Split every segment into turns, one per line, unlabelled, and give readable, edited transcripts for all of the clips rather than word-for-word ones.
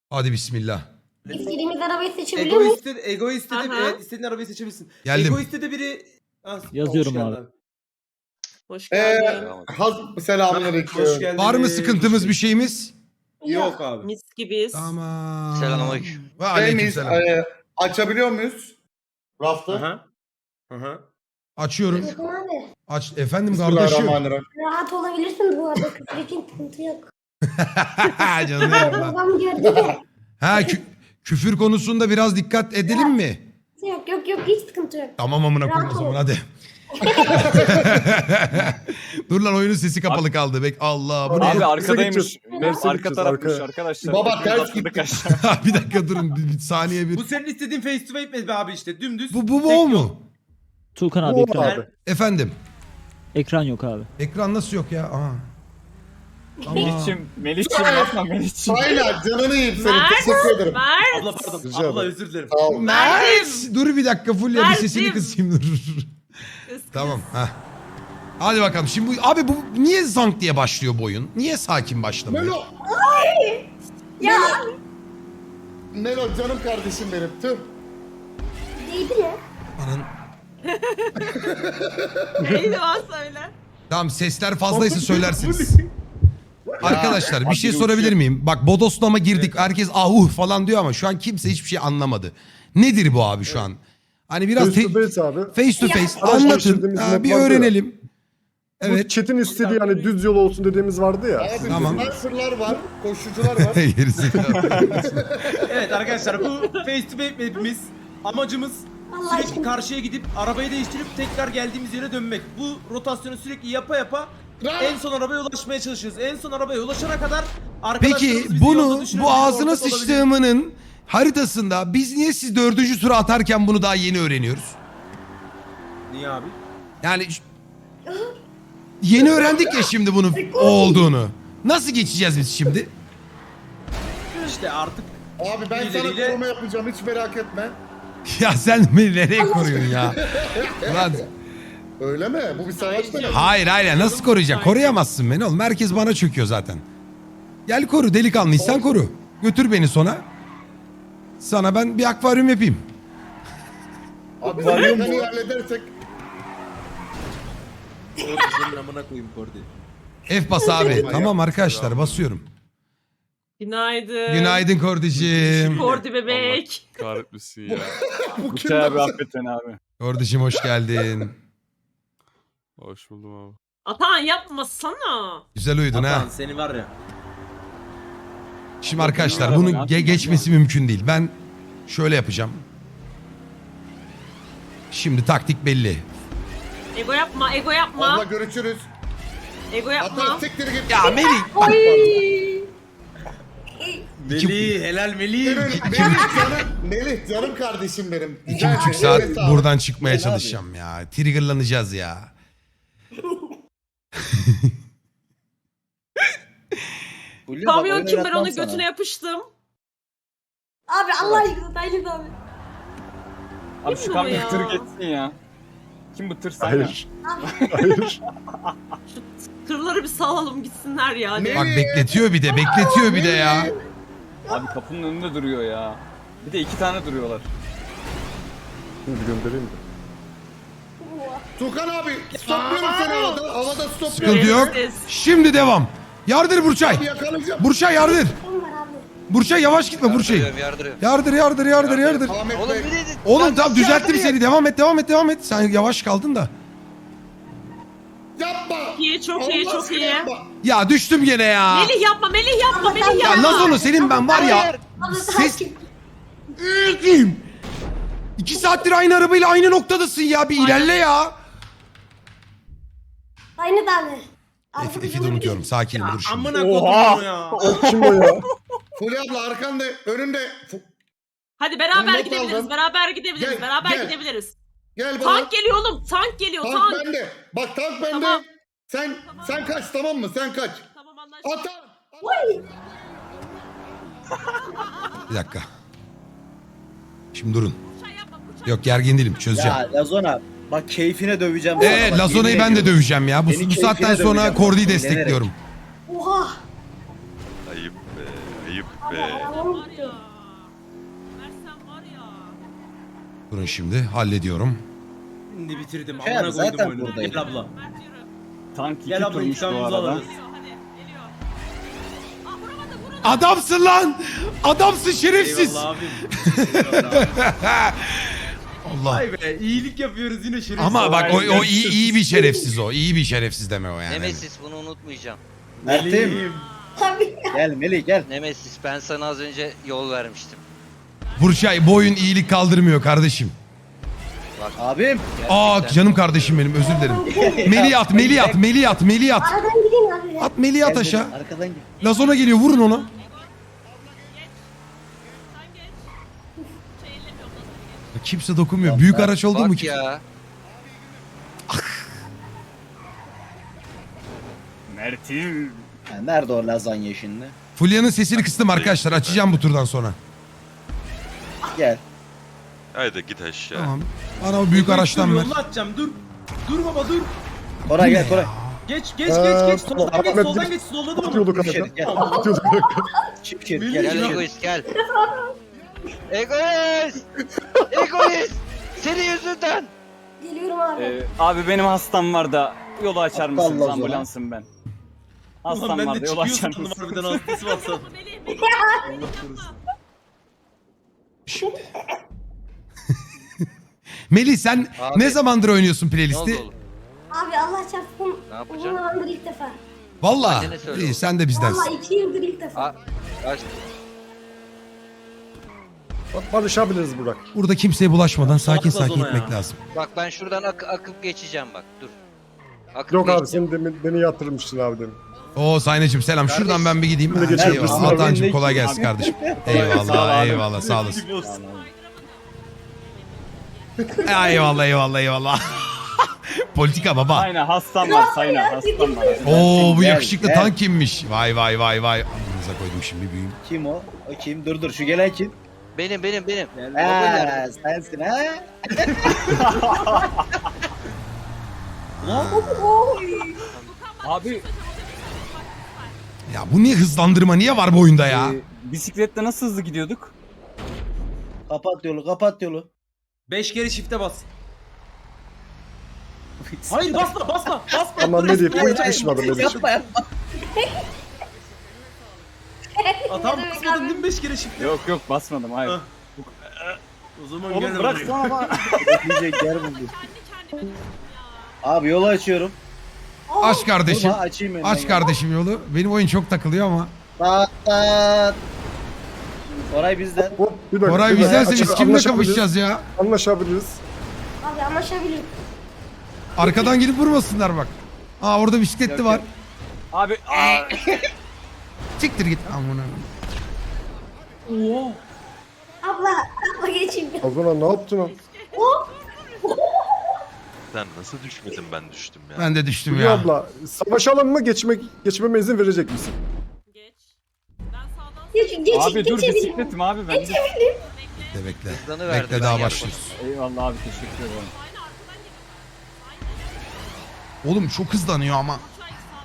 Hadi bismillah.
İstediğimiz arabayı seçebiliyor muyuz?
Egoist'te de
Aha.
evet, istediğin arabayı seçebilirsin.
Geldim.
Egoist'te de biri...
Yazıyorum
hoş geldin
abi.
Hoş geldin.
Selamünaleyküm.
Hoş geldin.
Var mı sıkıntımız bir şeyimiz?
Yok abi.
Mis gibiyiz.
Tamam.
Selamünaleyküm.
Ve aleykümselam.
Açabiliyor muyuz? Raftı.
Aha. Aha.
Açıyorum.
Bakın abi.
Aç efendim kardeşim.
Bismillahirrahmanirrahim.
Rahat olabilirsin bu arada. Küfür için sıkıntı yok.
Canım benim lan.
Babam gördü de.
Ha küfür konusunda biraz dikkat edelim mi?
Yok hiç sıkıntı yok.
Tamam amına koyayım o zaman hadi. Dur lan oyunun sesi kapalı kaldı. Allah bu ne?
Abi arkadaymış.
Mercedes
Arka tarafmış
arka.
arkadaşlar.
Baba ters
Atladık
gitti.
aşağı.
Bir dakika durun bir saniye bir.
Bu senin istediğin face to face mi abi işte dümdüz.
Bu
tek
o
yol.
mu?
Tuğkan abi
Bu
ekran.
abi.
Efendim.
Ekran yok abi.
Ekran nasıl yok ya? Aha.
Melih'cim yapma Melih'cim.
Aynen canını yiyeyim senin. Teşekkür ederim.
Abla pardon.
Rica
Abla
ederim.
özür dilerim.
Sağ ol.
Mert! Dur bir dakika Fulya bir sesini
Mert'im.
kısayım dur. Tamam. Heh. Hadi bakalım. Şimdi abi bu niye zank diye başlıyor bu oyun? Niye sakin başlamıyor?
Melo.
Ya
Melo canım kardeşim benim. Tüh.
neydi ya?
Anın.
Neydi o söyle.
Tamam sesler fazlaysa söylersiniz. Arkadaşlar bir şey sorabilir miyim? Bak bodoslama girdik. Herkes ahuh falan diyor ama şu an kimse hiçbir şey anlamadı. Nedir bu abi şu an? Hani biraz
Face to face abi.
face to face
Araçlar
anlatın.
işlediğimiz
Ha, bir
map vardı ya.
öğrenelim.
Bu
Evet.
chat'in istediği hani düz yol olsun dediğimiz vardı ya.
Abi
Tamam.
sniper'lar var. Koşucular var.
Gerizekalı.
Evet arkadaşlar bu face to face map'imiz amacımız
Allah
sürekli
aşkına.
karşıya gidip arabayı değiştirip tekrar geldiğimiz yere dönmek. Bu rotasyonu sürekli yapa en son arabaya ulaşmaya çalışıyoruz. En son arabaya ulaşana kadar
Peki
arkadaşlarımız bizi
bunu
yolda düşürebilir,
bu ağzına
ortak olabilir.
sıçtığımının haritasında biz niye siz 4. tura atarken bunu daha yeni öğreniyoruz?
Niye abi?
Yani yeni öğrendik ya şimdi bunun o olduğunu. Nasıl geçeceğiz biz şimdi?
İşte artık
Abi ben sana
İleriyle-
koruma yapacağım hiç merak etme.
Ya sen beni nereye koruyorsun ya? Lan,
Öyle mi? Bu bir savaş mı?
hayır nasıl koruyacaksın? Koruyamazsın beni oğlum. Herkes bana çöküyor zaten. Gel koru delikanlıysan koru. Götür beni sona. Sana ben bir akvaryum yapayım.
Abi zaten halledersek.
senin amına koyayım Kordi.
F bas abi. Tamam arkadaşlar basıyorum.
Günaydın.
Günaydın Kordicim.
Kordi bebek.
Kahretmesin ya.
Bu
Bıçağı abi affet beni abi.
Kordicim hoş geldin.
Hoş buldum abi.
Atan yapmasana.
Güzel uyudun ha.
Atan seni var ya.
Şimdi arkadaşlar bunun geçmesi mümkün değil. Ben şöyle yapacağım. Şimdi taktik belli.
Ego yapma, ego
Abla
yapma.
görüşürüz.
Ego
Hatta
yapma.
siktir git.
Ya Melih.
Oy.
Melih helal Melih.
Melih canım kardeşim benim.
2,5 saat buradan çıkmaya çalışacağım ya. Triggerlanacağız ya.
Kamyon kim ben onun götüne yapıştım. Abi Allah aşkına Tayyip abi.
Abi
Kim
şu
bu
kamyon
ya?
tır geçsin ya. Kim bu tır sen ya?
Hayır. Hayır.
Tırları bir salalım gitsinler ya.
Ne?
Bak bekletiyor bir de ya.
Abi kapının önünde duruyor ya. Bir de 2 tane duruyorlar.
Şimdi göndereyim de.
Tukan abi stopluyorum seni havada. Havada stopluyorum.
Sıkıntı yok. Şimdi devam. Yardır Burçay.
Abi yakalayacağım.
Burçay yardır.
Kim var abi?
Burçay yavaş gitme Burçay. Yardır.
Ahmet Bey.
Oğlum tamam düzelttim seni. Devam et. Sen yavaş kaldın da.
Yapma.
İyi, çok iyi,
Allah
çok
aşkına
iyi.
yapma.
Ya düştüm gene ya.
Melih yapma, Melih yapma, Melih
Ya
yapma.
Lazonu senin ben var ya.
Ama
Ses...
sakin.
2 saattir aynı arabayla aynı noktadasın ya. Bir ilerle ya.
Aynı tane.
F'i de unutuyorum. Sakinim dur şimdi.
Amına koyayım ya.
Kim o ya?
Fulya abla arkanda önünde.
Hadi beraber
Not
gidebiliriz,
aldım.
beraber gidebiliriz,
Gel,
beraber
gel.
gidebiliriz.
Gel bana.
Tank geliyor oğlum, tank geliyor,
Tank
tank.
bende. Bak tank bende.
Tamam.
Sen kaç tamam mı? Sen kaç.
Tamam anlaştık.
Atan.
Bir dakika. Şimdi durun.
Burçay yapma, Burçay.
Yok gergin değilim çözeceğim.
Ya Lazona bak keyfine döveceğim. sana bak,
Lazona'yı
yemin
ben de
ediyorum.
döveceğim ya. Bu
Beni
saatten
keyfine
sonra
döveceğim.
Kordi'yi
Bilerek.
destekliyorum.
Oha.
Ayıp be.
Ayıp be.
Var ya. Versen var ya.
Durun şimdi hallediyorum.
Şimdi bitirdim.
Şey
Amına
abi,
koydum
zaten
oyunu.
buradayım.
Gel abla.
Mert yürü.
Tank 2
Gel abla
turmuş bu
intikamımızı
arada.
alırız.
Geliyor hadi. Geliyor. Aa vuramadı vuramadı.
Adamsın lan! Adamsın şerefsiz!
Eyvallah abim. Eyvallah.
Allah.
Vay be iyilik yapıyoruz yine şerefsiz.
Ama bak o
Aynen.
iyi bir şerefsiz o. İyi bir şerefsiz deme o yani.
Nemesis bunu unutmayacağım.
Mert'im. Gel Melih gel.
Nemesis ben sana az önce yol vermiştim.
Burçay bu oyun iyilik kaldırmıyor kardeşim.
Abim.
Aa canım kardeşim benim özür dilerim. Melih at, Melih at, Melih at, Melih at.
Aradan gideyim abi.
At Melih at
Gel
aşağı.
Melih, arkadan gel.
Lazona geliyor vurun onu.
Sen geç. Şey ellemiyorum nasıl geç.
Kimse dokunmuyor. Büyük araç oldu mu
Bak
ki?
ya.
Mert'im.
Ha, nerede o lazanya şimdi?
Fulya'nın sesini kıstım arkadaşlar. Açacağım bu turdan sonra.
Gel.
Haydi git aşağı.
Tamam. Bana o büyük araçtan ver.
Yolunu atacağım dur. Dur baba dur.
Koray gel Koray.
Geç geç geç geç. Soldan geç
Ahmet
soldan
bir-
geç. Solladım ama.
Atıyorduk
Çift
kanka.
şerit gel.
Atıyorduk.
Çift şerit
Melih
gel.
Gel
çift şerit.
egoist gel. Egoist! Egoist! Senin yüzünden!
Geliyorum abi.
Abi benim hastam var da yolu açar
Allah
mısınız?
Allah.
Ambulansım ben. Hastam
Ulan ben
var
de
da yolu
çıkıyor
açar
sandım
mısınız?
harbiden hastası varsa.
Melih Melih.
Melih sen
Abi.
ne zamandır oynuyorsun
Ne oldu
playlisti?
oğlum?
Abi Allah çarpsın.
Ne yapacaksın?
Uzun zamandır ilk defa.
Valla.
Hadi ne söyle
İyi
oğlum.
sen de bizdensin.
Valla 2 yıldır ilk defa.
Aa, kaç-
Bak barışabiliriz Burak.
Burada kimseye bulaşmadan sakin
Atlas
sakin
ona ya.
gitmek lazım.
Bak ben şuradan akıp geçeceğim bak dur. Akıp
Yok abi
geçeceğim.
sen demin beni yatırmıştın abi demin.
Oo Saynacığım selam. Şuradan ben bir gideyim.
Şimdi
Ha,
geçebilirsin.
eyvallah.
Abi,
Atancığım kolay gelsin kardeşim. Eyvallah eyvallah sağ olasın. Eyvallah eyvallah eyvallah. Politika baba.
Aynen hastam var Sayna hastam var.
Oo bu
Gel,
yakışıklı
gel.
tank kimmiş? Vay vay vay vay. Amınıza koydum şimdi büyüğüm.
Kim o? O kim? Dur şu gelen kim?
Benim.
Ha sensin ha?
Abi
Ya bu niye hızlandırma niye var bu oyunda ya?
bisiklette nasıl hızlı gidiyorduk?
Kapat yolu kapat yolu.
5 kere shift'e bas. Hayır basma basma basma.
Ama
Dur,
Melih
basma.
bu hiç açmadı Melih.
Yapma yapma.
Tamam basmadın değil mi 5 kere shift'e?
Yok basmadım hayır.
Ha. O zaman
Oğlum
gel
bırak
buraya.
sana bak.
Diyecek yer buldu.
Kendi kendime
Abi yolu açıyorum.
Aç kardeşim.
Durma, açayım ben.
Aç kardeşim yolu. Benim oyun çok takılıyor ama.
Tat tat. Koray bizden.
Hop bir dakika.
Koray
bir dakika.
bizdense biz kimle
Anlaşabiliriz.
kapışacağız ya?
Anlaşabiliriz.
Abi anlaşabilirim.
Arkadan gelip vurmasınlar bak. Aa orada bisikletli
Yok,
var.
yok. Abi
Siktir git. Amına.
Abla geçeyim.
O zaman ne yaptın o?
Sen nasıl düşmedin ben düştüm ya.
Ben de düştüm
Hülya
ya.
abla savaşalım mı geçmeme izin verecek misin?
Geç. Ben sağdan Geç
abi dur bisikletim abi ben.
Bekle bekle.
Hızlanıverdi,
Bekle
ben
daha
yardım.
başlıyoruz.
Eyvallah abi teşekkür ederim.
Aynı arkadan geliyorum.
Oğlum çok hızlanıyor ama.
Çay sağ.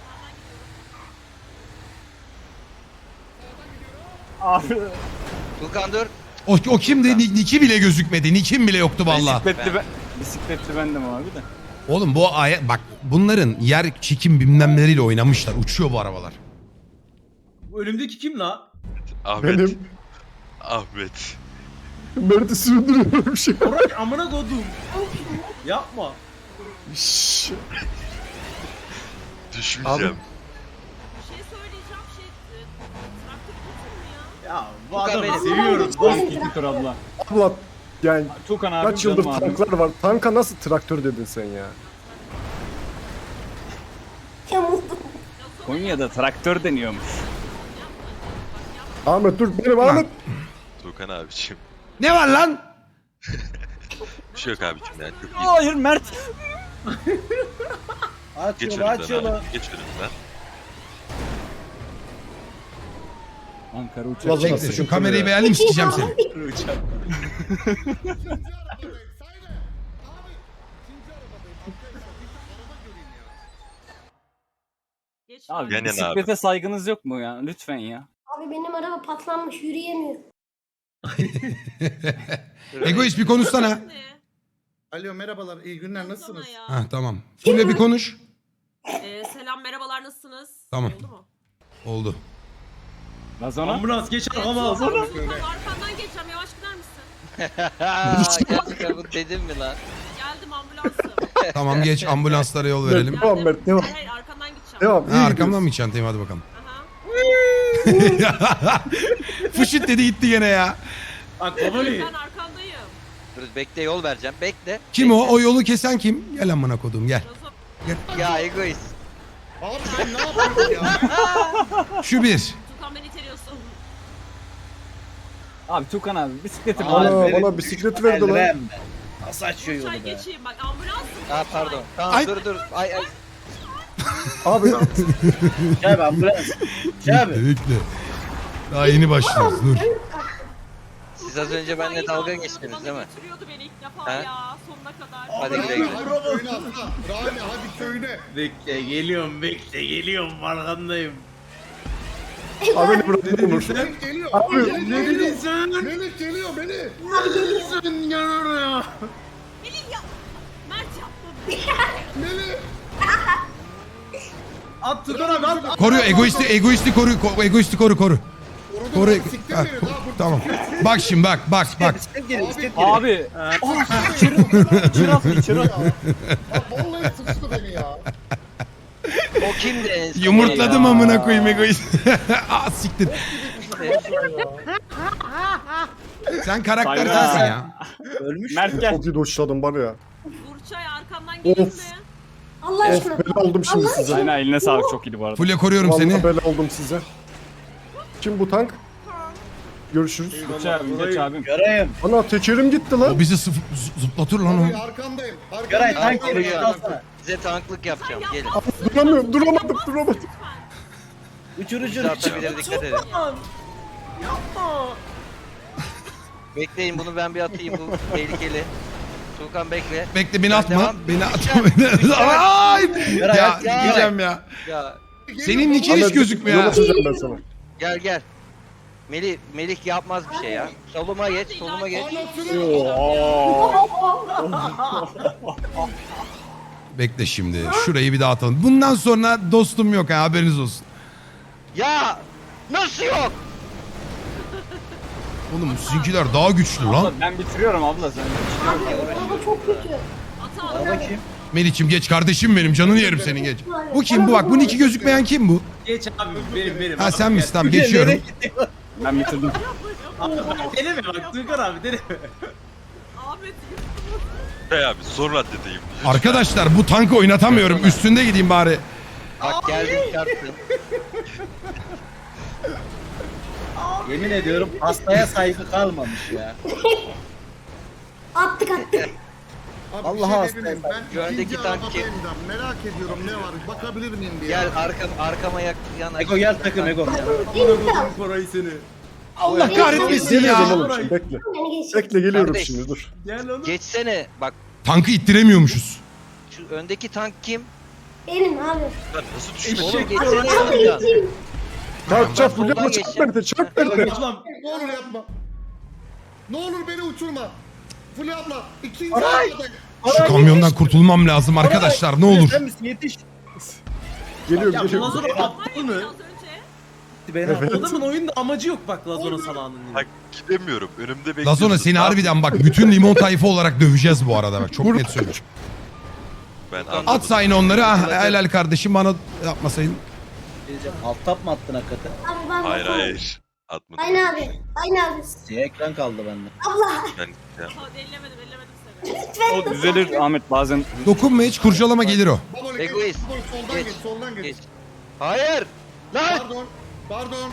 Abi
Tukan dur.
O kimdi? Niki bile gözükmedi. Nikim bile yoktu valla.
bisikletli bendim abi de.
Oğlum bu bak bunların yer çekim bilmemleriyle oynamışlar. Uçuyor bu arabalar.
Bu önümdeki kim la?
Ahmet.
Benim
Ahmet.
Mert'i sürdürüyorum bir şey.
Koray amına kodum. Yapma.
Şşş.
Düşmeyeceğim.
Bir şey söyleyeceğim traktör götür mü ya?
Ya bu
Tukan
adamı
benim.
seviyorum.
İki tur abla.
Abla yani
Tukan abi
kaç yıldır
canım abi.
tanklar var. Tanka nasıl traktör dedin sen ya?
Yamuldum.
Konya'da traktör deniyormuş.
Ahmet dur benim Ahmet.
Tukan abiciğim.
Ne var lan?
Bir şey yok abiciğim ya. Çok iyi.
Hayır Mert.
Aç
Geç
yolu aç
önümden
yolu.
abi. Geç önümden.
Ankara uçak.
Lazona
Bekle şu
sıkıntı
kamerayı
ya.
beğendim sikeceğim seni.
Geç.
Abi
Yan yana
bisiklete saygınız yok mu ya? Lütfen ya.
Abi benim araba patlanmış yürüyemiyor.
Egoist bir konuşsana.
Alo merhabalar iyi günler nasılsınız?
Hah tamam. Fulya bir konuş.
Selam merhabalar nasılsınız?
Tamam.
Oldu mu?
Oldu.
Lazona.
Ambulans geç arkama.
Arkandan geçeceğim yavaş gider misin?
Gerçekten bu dedim mi lan?
Geldim ambulansım.
Tamam geç ambulanslara yol verelim.
Devam Mert devam.
Hayır arkandan gideceğim.
Devam.
Ha, arkamdan mı çantayım hadi bakalım.
Aha.
Fışıt dedi gitti gene ya.
Bak baba
Ben arkandayım.
Dur bekle yol vereceğim. Bekle.
Kim o? O yolu kesen kim? Gel amına kodum gel.
Ya egoist.
Abi sen ne yapıyorsun ya?
Şu bir.
Tukan beni iteliyorsun.
Abi Tukan abi bisikletim
Abi,
var.
Bana bisiklet verdi lan.
Elrem be. Nasıl açıyor
Çay
yolu be?
geçeyim bak ambulansım.
Aa pardon. Tamam
Ay.
dur. Ay.
Abi
Şey abi ambulans. Şey abi.
Bekle. Daha yeni başlıyoruz dur.
Siz az önce benimle dalga geçtiniz değil mi?
Götürüyordu beni ilk defa
He?
ya sonuna kadar.
Hadi güle
Rami
güle.
hadi köyüne atla. Rami hadi köyüne.
Bekle geliyorum arkandayım.
abi beni bırakın Onur.
Melih geliyor.
Abi,
Melih
Ne
geliyor.
dedin sen?
Melih geliyor Melih.
Sen gel oraya.
Melih ya. Mert yapma.
Melih.
At Tukan abi at.
Koruyor egoisti koru. Koru.
Orada siktir
Ha,
beni daha bu.
tamam. Bak şimdi bak.
Bisiklet geliyor bisiklet geliyor.
Abi. İçeri at.
Ya vallahi sıçtı beni ya.
O kimdi en son?
Yumurtladım
ya?
amına koyayım egoist. Aa siktir. Sen karakter
Sayra.
sensin ya.
Ölmüş.
Mert gel.
Çok iyi doşladım var ya.
Burçay arkamdan gelin mi?
Of. Of bela oldum şimdi size.
Aynen eline sağlık çok iyiydi bu arada.
Fulya koruyorum
Vallahi
seni.
bela oldum size. Kim bu tank? Görüşürüz.
Geç abim geç abim.
Göreyim.
Ana tekerim gitti
O
lan.
bizi zıplatır lan o.
Abi arkandayım.
Göray
Arkandayım.
tank geliyor. Alsana.
Size tanklık yapacağım. Gelin.
Duramıyorum duramadım.
Uçur
Bizi
uçur.
atabilir dikkat edin.
Yapma.
Bekleyin bunu ben bir atayım bu tehlikeli. Tukan bekle.
Bekle beni atma.
Devam.
Beni atma. Ay!
Göray
Ya
at ya.
gideceğim ya.
Ya
Senin niçin hiç gözükmüyor
Yol
ha?
açacağım ben sana.
gel. Melih yapmaz bir şey ya. Soluma geç.
Bekle şimdi. Şurayı bir daha atalım. Bundan sonra dostum yok ha haberiniz olsun.
Ya nasıl yok?
Oğlum sizinkiler daha güçlü lan.
Abla ben bitiriyorum abla sen.
Araba çok kötü. Ata
Araba kim?
Melih'cim geç kardeşim benim canını yerim senin geç. Bu kim bu bak bunun iki gözükmeyen kim bu?
Geç abi benim.
Ha sen misin tamam geçiyorum.
Ben bitirdim.
Deneme bak Tukan abi deneme.
Ahmet
Hey abi son raddedeyim.
Arkadaşlar bu tankı oynatamıyorum üstünde gideyim bari.
Bak geldim çarptın.
Yemin ediyorum hastaya saygı kalmamış ya.
attık.
Abi,
Allah'a
bir şey
hastayım
diyebilir miyim? Ben
Güvendeki
ikinci
tank
arabadayım da merak ediyorum ne var bakabilir miyim diye.
Gel arkama yana.
Ego gel takım Ego.
Korayı seni.
Allah kahretmesin
Geleceğim
ya.
oğlum şimdi bekle. Bekle geliyorum
Kardeş.
şimdi dur.
Gel oğlum.
Geçsene. Bak
Tankı ittiremiyormuşuz.
şu öndeki tank kim?
Benim abi.
Lan nasıl düşmedi?
Oğlum geçsene yanımdan.
Çarp çarp
soldan
Fulya çarp
geçeceğim.
beni de çarp beni de.
Ulan
Ne olur yapma. Ne olur beni uçurma. Fulya abla ikinci arabadayım.
Şu kamyondan kurtulmam lazım arkadaşlar ne olur.
Sen misin yetiş.
Geliyorum
ya
geliyorum.
Lazona aptal mı?
Az önce.
Beni al.
Adamın oyunda amacı yok bak Lazona salağının.
Bak gidemiyorum. Önümde bekliyorsun.
Lazona seni harbiden bak bütün limon tayfa olarak döveceğiz bu arada bak çok net söylüyorum.
Ben
At
At sayın onları ah helal kardeşim bana yapmasaydın.
Alt tap mı attın hakikaten?
Abi ben
Hayır. Atmadım.
Aynı abi.
Siyah ekran kaldı bende.
Ben ya,
Ellemedim seni.
O düzelir Ahmet bazen.
Dokunma hiç kurcalama gelir o.
Babalık
Egoist.
soldan
Geç.
geç soldan geç.
Geç. Hayır. Lan
Pardon.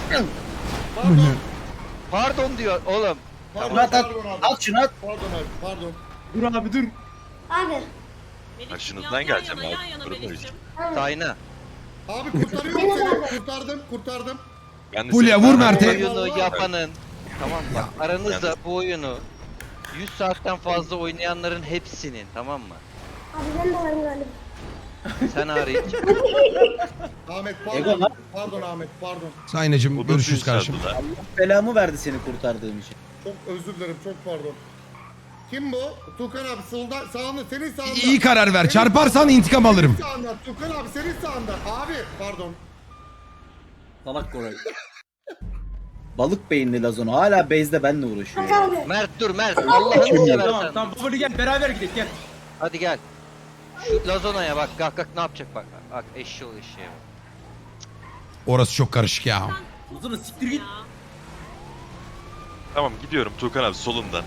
pardon diyor oğlum.
At at. At şunu at.
Pardon abi pardon.
Dur abi dur.
Abi.
Başınızdan geleceğim abi. Durun öyle.
Tayna.
Abi kurtarıyorum seni. Kurtardım.
Ben de
Fulya
seni-
vur
Bu
Mert'e.
oyunu yapanın. Tamam bak aranızda bu oyunu 100 saatten fazla oynayanların hepsinin tamam mı?
Abi ben de varım galiba.
Sen hariç.
Ahmet
Ego
pardon.
lan.
Pardon Ahmet pardon.
Saynacığım
O da
görüşürüz
suyu
kardeşim.
çaldılar.
Belamı verdi seni kurtardığım için.
Çok özür dilerim çok pardon. Kim bu? Tukan abi sağında senin sağında.
İyi karar ver.
Senin
Çarparsan intikam alırım.
Senin sağında Tukan abi senin sağında. Abi pardon.
Salak Koray. Balık beyinli Lazona hala base'de benle uğraşıyor.
Mert dur Mert. Allah'ını
Tamam
seversen.
tamam Baboli gel beraber gidelim gel.
Hadi gel. Şu Lazona'ya bak. Kalk ne yapacak bak. Bak eşeği bak.
Orası çok karışık ya.
Lazona siktir git.
Tamam gidiyorum Tuğkan abi solundan.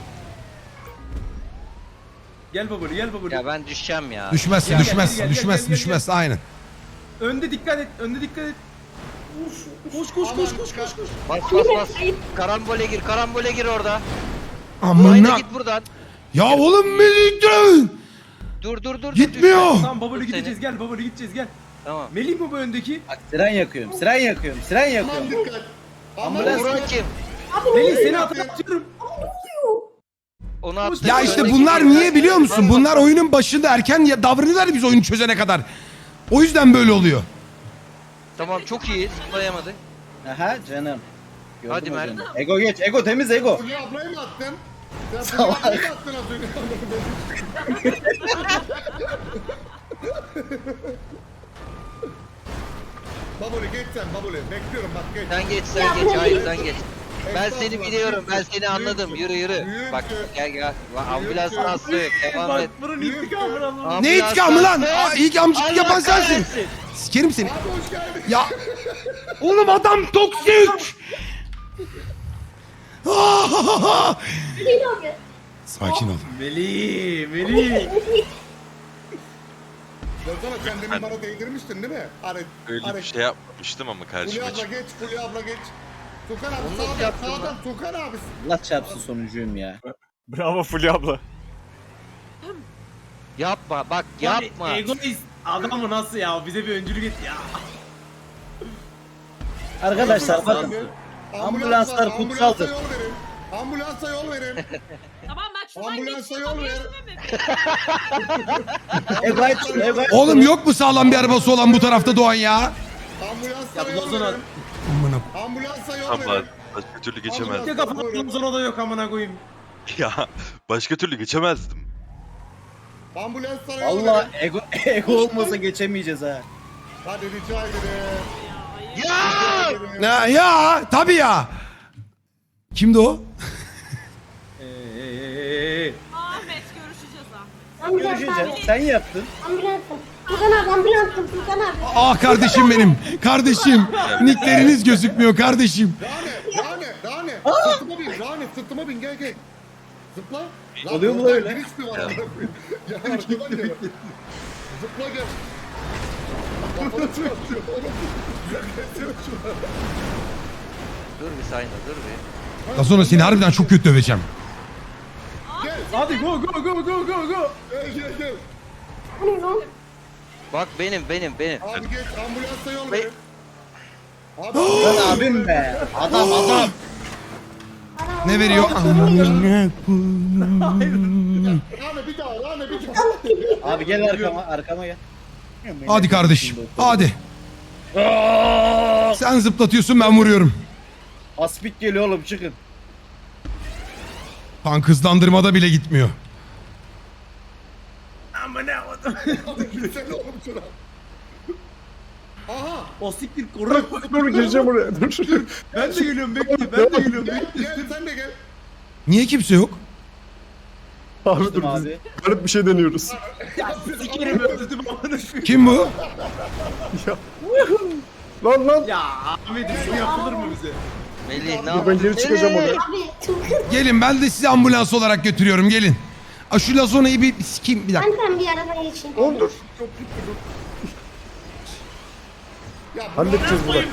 Gel Baboli gel Baboli.
Ya ben düşeceğim ya.
Düşmezsin,
Gel,
düşmez,
gel,
düşmez,
gel,
düşmez. Aynen.
Önde dikkat et önde dikkat et. Koş.
Bas. Karambole gir orada. Aynen
Amına.
git buradan.
Ya oğlum Melih dön.
Dur.
Gitmiyor.
Tamam Baboli
Dur seni.
gideceğiz gel Baboli gideceğiz gel.
Tamam.
Melih mi bu öndeki?
Bak siren yakıyorum.
Aman dikkat. Aman
Buran kim?
Melih seni atıyorum.
Onu attı.
Ya işte
Öndeki
bunlar
kim?
niye biliyor musun? Bunlar oyunun başında erken davranıyorlar biz oyunu çözene kadar. O yüzden böyle oluyor.
Tamam çok iyi. Zıplayamadık.
Aha canım. Gördüm
Hadi
o
Mert.
canı. Ego geç. Ego temiz Ego.
Fulya ablayı mı attın? Sen Fulya ablayı mı attın az önce? Baboli geç sen Baboli. Bekliyorum bak geç.
Sen geç. Hayır sen geç. Ben seni biliyorum. Ben seni anladım. Yürü. Bak gel. Ambulans hasta yok. Devam et.
Bak bunun intikamını alalım.
Ne
Ambulans
intikamı lan?
hasta.
İlk amcıklık yapan
Allah
sensin.
kahretsin.
Sikerim seni.
Abi hoş geldin.
Ya oğlum adam toksik. Sakin ol.
Melih.
Lazona sen demin bana değdirmiştin değil mi?
Öyle bir şey yapmamıştım ama
Fulya
karşıma
abla
çıktı.
geç, Fulya abla geç. Tukan abi
Onu nasıl yaptın
sağdan Tukan abi.
Allah çarpsın sonuncuyum ya.
Bravo Fulya abla.
Yapma bak yapma.
Egoist. Adamı nasıl ya? Bize bir öncülük et ya.
Arkadaşlar bakın. Ambulanslar
var,
kutsaldır.
Ambulansa yol verin. Ambulansa yol verin.
Tamam bak şuradan
Ambulansa
geçiyorum.
yol ver.
Ego aç şunu, Ego aç
Oğlum
şunu.
yok mu sağlam bir arabası olan bu tarafta Doğan ya?
Ambulansa
Ya
yol
Lazona.
verin.
Amına.
Ambulansa yol
Ama
verin.
başka türlü geçemezdim.
Bir kafanın Lazona da yok amına koyayım.
Ya başka türlü geçemezdim.
Ambulanslara yol
Allah
verin.
ego olmasa geçemeyeceğiz ha.
Hadi rica ederim.
Ya tabii ya. Kimdi o?
Ahmet görüşeceğiz ha.
Görüşeceğiz. Sen yaptın.
Furkan abi.
Ah kardeşim benim. Kardeşim. Nickleriniz gözükmüyor kardeşim.
Rane. Sırtıma bin gel. Zıpla. Lan
Oluyor mu
oradan
öyle?
giriş mi var? Ya arkadan gel. Zıpla gel. Kafanı çıkartıyor.
Dur bir Sayna dur bir.
Daha sonra seni harbiden çok kötü döveceğim.
Hadi go.
Gel.
Bak benim.
Abi geç ambulansa yol
Be-
verin. Abi
Lan abim be. Adam.
Ne veriyor?
Rane bir daha.
Abi gel arkama gel.
Hadi kardeşim. Hadi. Sen zıplatıyorsun ben vuruyorum.
Aspik geliyor oğlum çıkın.
Tank hızlandırmada bile gitmiyor.
Gitsene oğlum şuna. Aha.
O siktir koru.
Dur gireceğim oraya. Dur.
Ben de geliyorum bekle.
Gel sen de gel.
Niye kimse yok?
Abi dur biz
Abi.
garip bir şey deniyoruz.
Sikerim öldürdüm amına koyayım.
Kim bu?
Lan.
Ya Ahmet bu yapılır mı bize?
Melih ne
Dur ben geri çıkacağım oraya.
Gelin ben de sizi ambulans olarak götürüyorum gelin. Şu Lazona'yı bir sikeyim bir dakika.
Ben bir araba geçeyim.
Oğlum dur.
Ya
Halledeceğiz bunu.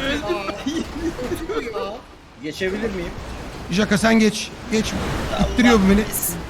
Geçebilir miyim?
Jaka sen geç. Geç. İttiriyor bu beni.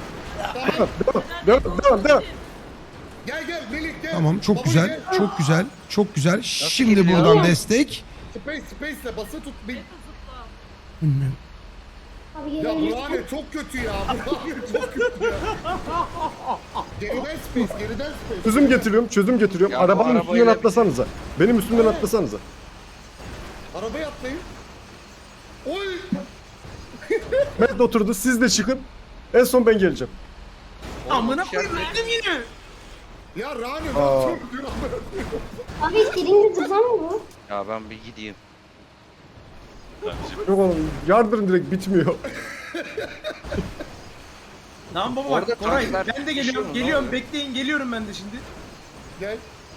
Devam.
Gel Melih gel.
Tamam çok
Baba
güzel.
gel.
Çok güzel. Çok güzel. Şimdi
gidiyor?
buradan destek.
Space'le bası tut.
Abi
Ya Burhane çok kötü ya. Burhane çok kötü ya. Geriden space, geriden space.
Çözüm getiriyorum.
Ya bu
Arabanın üstünden
arabayla-
atlasanıza. Benim üstümden atlasanıza.
Arabaya atlayın. Oy!
Mert oturdu, siz de çıkın. En son ben geleceğim.
Amına koyayım öldüm yine.
Ya Rani
Aa.
çok kötü.
Abi istediğin zıplam mı bu?
Ya ben bir gideyim.
Yok oğlum, yardırın direkt bitmiyor.
Tamam baba
Orada
bak Koray
tanklar
ben de
düşüyor
geliyorum.
mu?
Geliyorum
Ne
bekleyin geliyorum ben de şimdi.
Gel.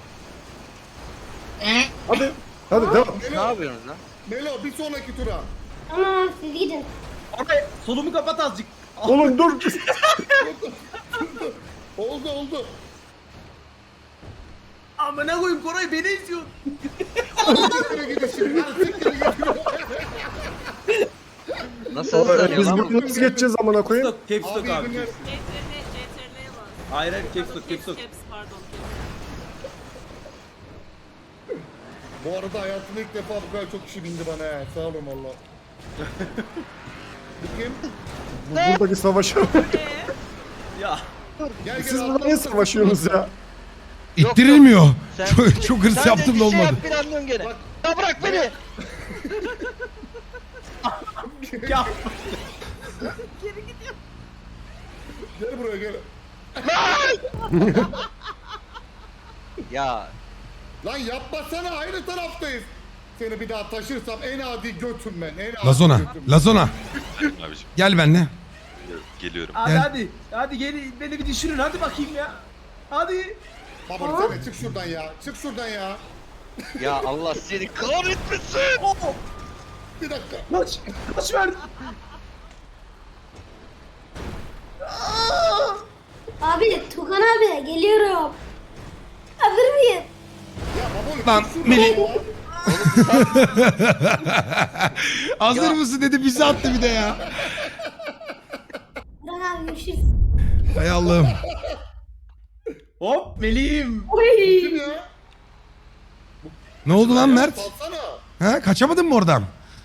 Hadi devam.
Ne yapıyorsunuz lan?
Melo bir sonraki tura.
Tamam siz gidin.
Koray solumu kapat azıcık.
Oğlum dur.
Oldu.
Amına koyayım Koray beni izliyor.
Siktir gidin şimdi. Hadi siktir gidin.
Nasıl hızlanıyor
Biz
lan bu?
bunu nasıl geçeceğiz amına koyayım?
Stop caps lock
Abi
abi.
günler.
CTRL'ye bas.
Hayır hayır caps lock caps lock.
Pardon.
Bu arada hayatımda ilk defa bu kadar çok kişi bindi bana he. Sağ olun valla. Bu kim?
Buradaki savaşı.
Ya.
Gel
Siz burada ne savaşıyorsunuz ya?
İttirilmiyor.
Sen-
Çok hırs
Sen de
yaptım
bir
da
şey
olmadı.
yap planlıyorsun gene. Ya bırak beni.
Ya.
Gel buraya gel.
Ya
Lan yapmasana aynı taraftayız. Seni bir daha taşırsam en adi götüm ben. En adi
Lazona.
götüm.
Lazona.
Abiciğim
Gel benimle.
geliyorum.
Hadi
Gel.
hadi. Hadi gelin beni bir düşürün hadi bakayım ya. Hadi.
Baba sen de çık şuradan ya. Çık şuradan ya.
ya Allah seni kahretmesin.
Oh.
Bir dakika.
Kaç. Kaç ver.
Abi Tukan abi geliyorum. Hazır mıyım?
Ya baba
Lan
çık şuradan
Melih.
ya.
Hazır
Ya.
mısın dedi bizi attı bir de ya.
Tukan abi görüşürüz.
Hay Allah'ım.
Hop Melih'im.
Kim ya?
Ne oldu lan Mert?
Salsana.
Ha, kaçamadın mı oradan?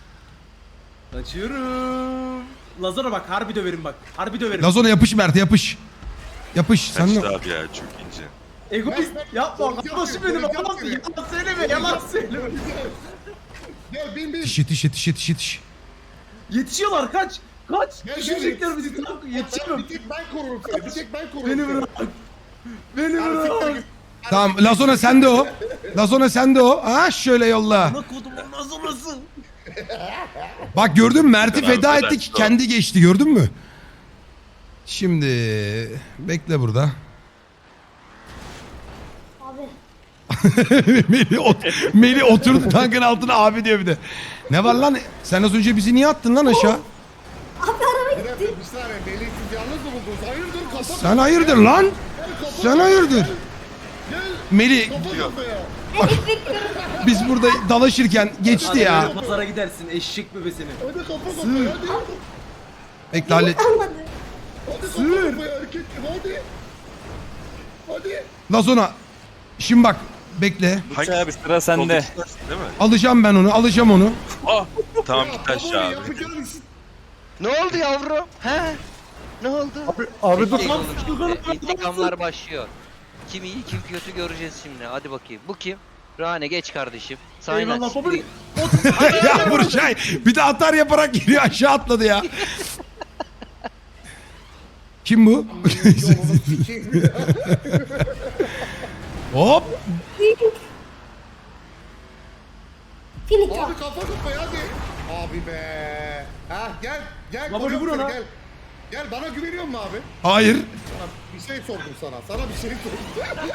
Kaçıyorum. Lazona bak harbi döverim bak. Harbi döverim.
Lazona yapış Mert yapış. Yapış. Sen
Kaçtı
de...
abi ya çok ince.
Egoist yapma.
Korkak
Kardeşim
biri,
benim
korkak
yalan,
biri.
yalan söyleme yalan söyleme.
Gel bin bin.
Yetiş.
Yetişiyorlar kaç. Kaç.
Gel,
Düşürecekler bizi tam yetişemem.
Bir tek ben korurum seni. Bir tek ben korurum
Beni
seni.
bırak. Beni
Hadi siktir
bırak.
git.
Tamam Lazona sende o. Lazona sende o. Ha şöyle yolla.
Ne kodumun Lazonası.
Bak gördün mü Mert'i
Tamam,
feda
güzel,
ettik
tamam.
kendi geçti gördün mü? Şimdi bekle burada.
Abi.
Melih oturdu tankın altına abi diyor bir de. Ne var lan? Sen az önce bizi niye attın lan aşağı?
Abi araba
Bir dakika bir saniye. Melih siz yalnız mı buldunuz? Hayırdır kafa.
Sen hayırdır lan?
Gel kafa.
Sen hayırdır?
Gel.
Melih
Kafa kafaya.
biz burada dalaşırken geçti
Hadi
ya.
böyle pazara gidersin eşek bebesini.
Hadi kafa kafaya hadi.
Bekle hallet.
almadı.
Hadi kafa kafaya erkek gibi hadi. Hadi.
Lazona. Şimdi bak bekle.
Hangi abi sıra sende.
Soldaki değil mi?
Alacağım onu.
Ah tamam git
Baba,
aşağı abi.
yapacağın iş-
Ne oldu yavrum? He? Ne oldu?
Abi dur.
Bekleyin oğlum şimdi. İntikamlar başlıyor. Kim iyi kim kötü göreceğiz şimdi. Hadi bakayım. Bu kim? Rane geç kardeşim. Sayın
Eyvallah baba.
Ya Burçay bir de atar yaparak geliyor aşağı atladı ya. Kim bu?
Yolunu sikeyim ya.
Hop.
Finito.
Abi kafa kafaya hadi. Abi be. Ha gel. Gel.
Baba,
koruyorum
vur
seni,
ona.
Gel. Gel bana güveniyor musun abi?
Hayır.
Sana bir şey sordum sana. Sana bir şey sordum.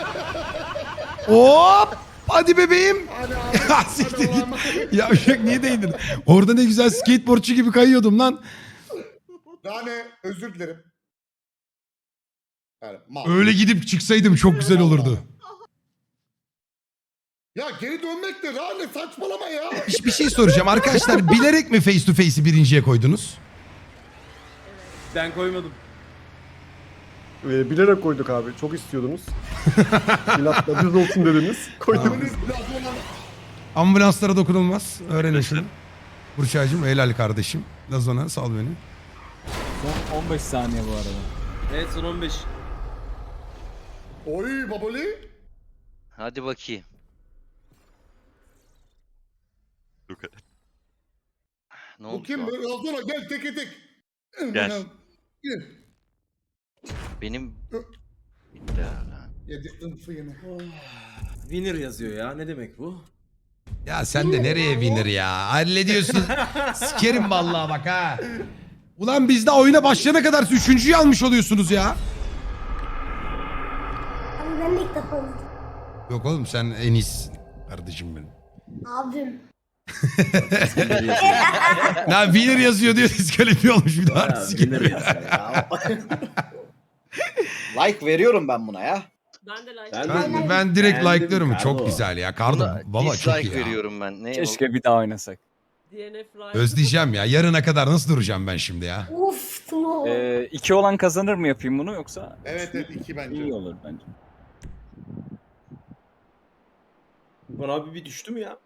Hop. Hadi bebeğim.
Hadi abi.
Ya
Hadi
siktir git.
Allah'ıma.
Yavşak niye değdin? Orada ne güzel skateboardçu gibi kayıyordum lan.
Rane özür dilerim. Yani, mal.
Öyle gidip çıksaydım çok güzel olurdu.
Ya geri dönmek de Rane saçmalama ya.
Bir şey soracağım arkadaşlar. Bilerek mi face to face'i birinciye koydunuz?
Ben koymadım.
Bilerek koyduk abi. Çok istiyordunuz. İnatla düz olsun dediniz. Koyduk.
Abi, Lazona-
Ambulanslara dokunulmaz. Öğrenin şunu. Burçaycığım helal kardeşim. Lazona sal beni.
Son 15 saniye bu arada.
Evet son 15.
Oy baboli.
Hadi bakayım.
Luka.
Ne
Bu
oldu
kim?
şu an?
Lazona gel teke tek.
Gel.
Gel.
Benim... Bitti herhalde.
Yedik ınfı yine.
Winner yazıyor ya. Ne demek bu?
Ya sen de nereye winner ya? Hallediyorsun. Sikerim vallahi bak ha. Ulan biz de oyuna başlayana kadar 3.'yü almış oluyorsunuz ya.
Abi ben de ilk defa oynadım.
Yok oğlum sen en iyisin. Kardeşim benim.
Abim.
Ya winner yazıyor diyor diskalifiye olmuş bir daha.
Winner yazıyor ya. Like veriyorum ben buna ya.
Ben de like.
Ben direkt
Beğendim
like'lıyorum. Çok
Carlo.
güzel ya. Kardo
Buna
baba çok iyi
dislike
ya.
veriyorum ben. Ne
Keşke bir daha oynasak.
DNF like.
Özleyeceğim ya. Yarına kadar nasıl duracağım ben şimdi ya?
Uf tamam.
2 olan kazanır mı yapayım bunu yoksa?
Evet evet 2 bence.
İyi olur bence.
Bana abi bir düştü mü ya?